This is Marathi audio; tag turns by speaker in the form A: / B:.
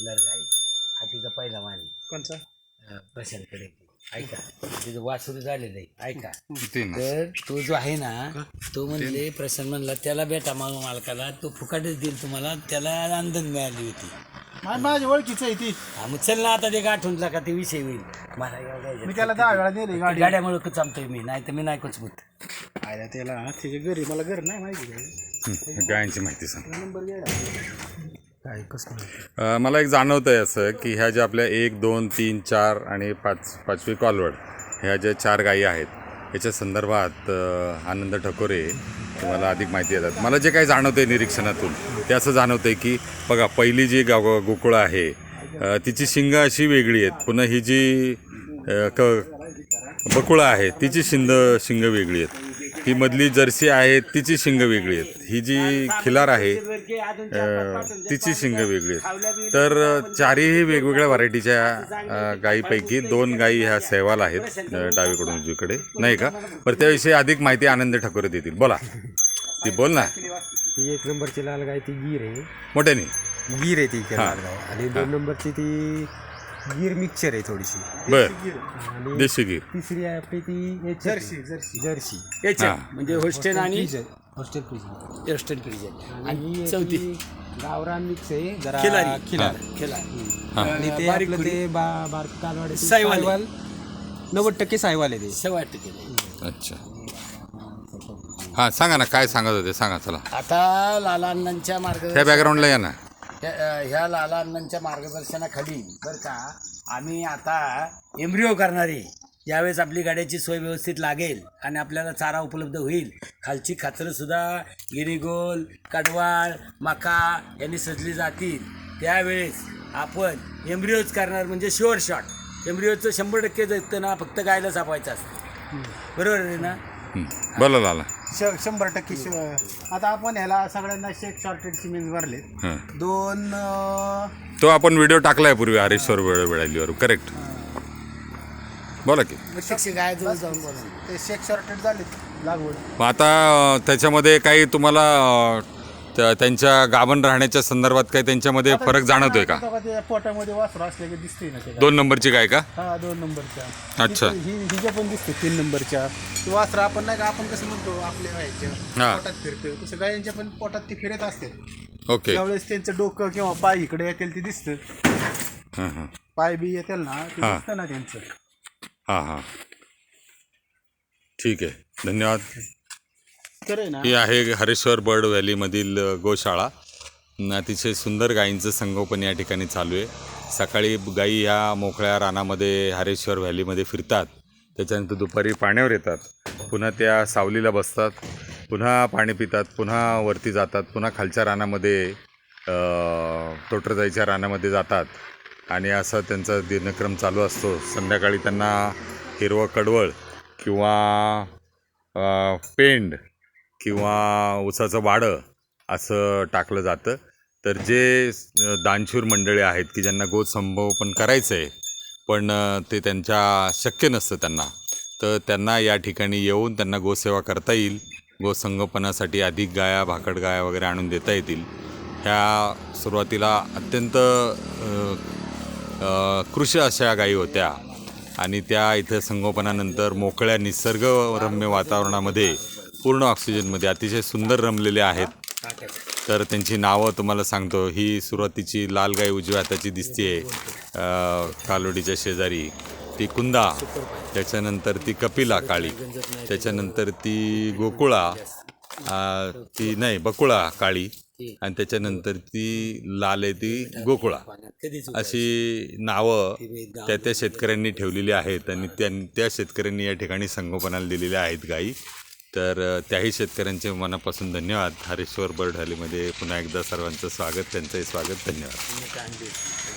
A: पॉप्युलर गाय हा तिचा पहिला मानी
B: कोणचा?
A: प्रशांतकडे ऐका तिचं वासरू झालेलं आहे ऐका
C: ते ना.
A: तर तो जो आहे ना तो म्हणले प्रशांत म्हणला त्याला भेटा मालकाला तो फुकाटच देईल तुम्हाला त्याला आनंद मिळाली होती.
B: माझी ओळखीचं आहे ती.
A: हा मग चल ना आता ते गाठूनला का ते विषय होईल मला एवढं
B: मी त्याला 10 वेळा नेली गाडी.
A: गाड्यामुळे चालतोय मी नाही तर मी नाही कुचबूत
B: आयला त्याला त्याच्या घरी मला घर नाही माहिती काय
C: गायांची माहिती सांग.
B: नंबर घ्यायला
A: काय कसं
C: मला एक जाणवतं आहे असं की ह्या ज्या आपल्या 1, 2, 3, 4 आणि 5वी कॉलवड ह्या ज्या 4 गायी आहेत याच्या संदर्भात आनंद ठकोरे तुम्हाला अधिक माहिती देतात. मला जे काही जाणवतं आहे निरीक्षणातून ते असं जाणवतं आहे की बघा पहिली जी गोकुळा आहे तिची शिंग अशी वेगळी आहेत. पुन्हा ही जी बकुळा आहे तिची शिंग वेगळी आहेत. ही मधली जर्सी आहे तिची शिंग वेगळी आहेत. ही जी खिलार आहे तिची शिंग वेगळी आहेत. तर 4ही वेगवेगळ्या व्हरायटीच्या गायीपैकी 2 गायी ह्या सहवाल आहेत डावीकडून उजवीकडे नाही का. बरं त्याविषयी अधिक माहिती आनंद ठाकूर देतील. बोला ती बोल ना.
D: ती 1 नंबरची लाल गाय ती गीर आहे.
C: मोठ्याने
D: गीर आहे ती लाल गाय. आणि 2 नंबरची ती गीर मिक्सचर आहे थोडीशी.
C: बर
D: आणि
C: देशी गीर.
D: तिसरी आहे आपली ती
B: जर्सी
D: जर्सी
A: म्हणजे होस्टेन आणि
D: हॉस्टेल फ्रीज.
A: वेस्टर्न फ्रीजन आणि
D: आणि
A: चौथी
D: गावरान मिक्स आहे जरा
A: खिलारी.
D: खिलार.
A: आणि
D: आणि ते
A: बारीक
D: आपलं
A: खुरी.
D: ते बारक कालवाडी
A: सायवाल.
D: 90% सायवाल आहे ते.
A: 6.5
C: अच्छा हां सांगा ना काय सांगत होते सांगा चला.
A: आता लालांच्या
C: त्या बॅकग्राऊंडला या ना.
A: ह्या लालांच्या मार्गदर्शनाखाली बरं का आम्ही आता एम्ब्रिओ करणारे यावेळेस आपली गाड्याची सोय व्यवस्थित लागेल आणि आपल्याला चारा उपलब्ध होईल. खालची खाचरंसुद्धा गिरीगोल कडवाळ मका यांनी सजली जातील. त्यावेळेस आपण एम्ब्रिओज करणार म्हणजे शुअर शॉट. एम्ब्रिओचं 100% जगतं ना फक्त गायला सापवायचं असतं. बरोबर आहे ना.
C: बोला लाला.
B: 100% आता आपण ह्याला सगळ्यांना शेक शॉर्टेड सिमेंट भरले. 2
C: तो आपण व्हिडिओ टाकलाय पूर्वी हरेश्वर वेळालीवर करेक्ट. बोला की.
A: गाय जवळ जाऊन बोला.
B: ते शेक शॉर्टेड झाले लागवड.
C: मग आता त्याच्यामध्ये काही तुम्हाला त्यांच्या गाभण राहण्याच्या संदर्भात काही त्यांच्यामध्ये फरक जाणवतोय का?
B: आता ते पोटामध्ये वासरू असले की दिसते ना ते.
C: 2 नंबरची गाय का?
B: हा 2 नंबरच्या.
C: अच्छा.
B: हिच्या पण दिसते 3 नंबरच्या. ते वासरू आपण नाही का आपण कसं म्हणतो आपल्या व्हायच्या
C: हा.
B: पोटात फिरतोय तसं गायांच्या पण पोटात ते फिरत असते.
C: ओके.
B: त्यावेळेस त्यांचं डोकं किंवा पाय इकडे येतील ते दिसतं.
C: हां हां
B: पाय बी येतील ना ते
C: हा.
B: दिसतं ना त्यांचं.
C: हां हां ठीक आहे धन्यवाद.
B: तर आहे ना
C: ही आहे हरेश्वर बर्ड व्हॅलीमधील गोशाळा. अतिशय सुंदर गायींचं संगोपन या ठिकाणी चालू आहे. सकाळी गायी ह्या मोकळ्या रानामध्ये हरेश्वर व्हॅलीमध्ये फिरतात. त्याच्यानंतर दुपारी पाण्यावर येतात. पुन्हा त्या सावलीला बसतात. पुन्हा पाणी पितात. पुन्हा वरती जातात. पुन्हा खालच्या रानामध्ये तोटरजाईच्या रानामध्ये जातात. आणि असा त्यांचा दिनक्रम चालू असतो. संध्याकाळी त्यांना हिरवं कडवळ किंवा पेंड किंवा ऊसाचं वाडं असं टाकलं जातं. तर जे दानशूर मंडळी आहेत की ज्यांना गोसंगोपन करायचं आहे पण ते त्यांच्या शक्य नसतं त्यांना, तर त्यांना या ठिकाणी येऊन त्यांना गोसेवा करता येईल. गोसंगोपनासाठी अधिक गाया भाकड गाया वगैरे आणून देता येतील. ह्या सुरुवातीला अत्यंत कृश अशा गायी होत्या आणि त्या इथं संगोपनानंतर मोकळ्या निसर्गरम्य वातावरणामध्ये पूर्ण ऑक्सिजनमध्ये अतिशय सुंदर रमलेले आहेत. तर त्यांची नावं तुम्हाला सांगतो. ही सुरुवातीची लाल गाय उजव्या हाताची दिसते कालोडीच्या शेजारी, ती कुंदा. त्याच्यानंतर ती कपिला काळी. त्याच्यानंतर ती गोकुळा, ती नाही बकुळा काळी. आणि त्याच्यानंतर ती लाल आहे ती गोकुळा. अशी नावं त्या शेतकऱ्यांनी ठेवलेली आहेत आणि त्या शेतकऱ्यांनी या ठिकाणी संगोपनाला दिलेल्या आहेत गायी. तर त्याही शेतकऱ्यांचे मनापासून धन्यवाद. हरेश्वर बर्ड व्हॅलीमध्ये पुन्हा एकदा सर्वांचं स्वागत. त्यांचंही स्वागत. धन्यवाद.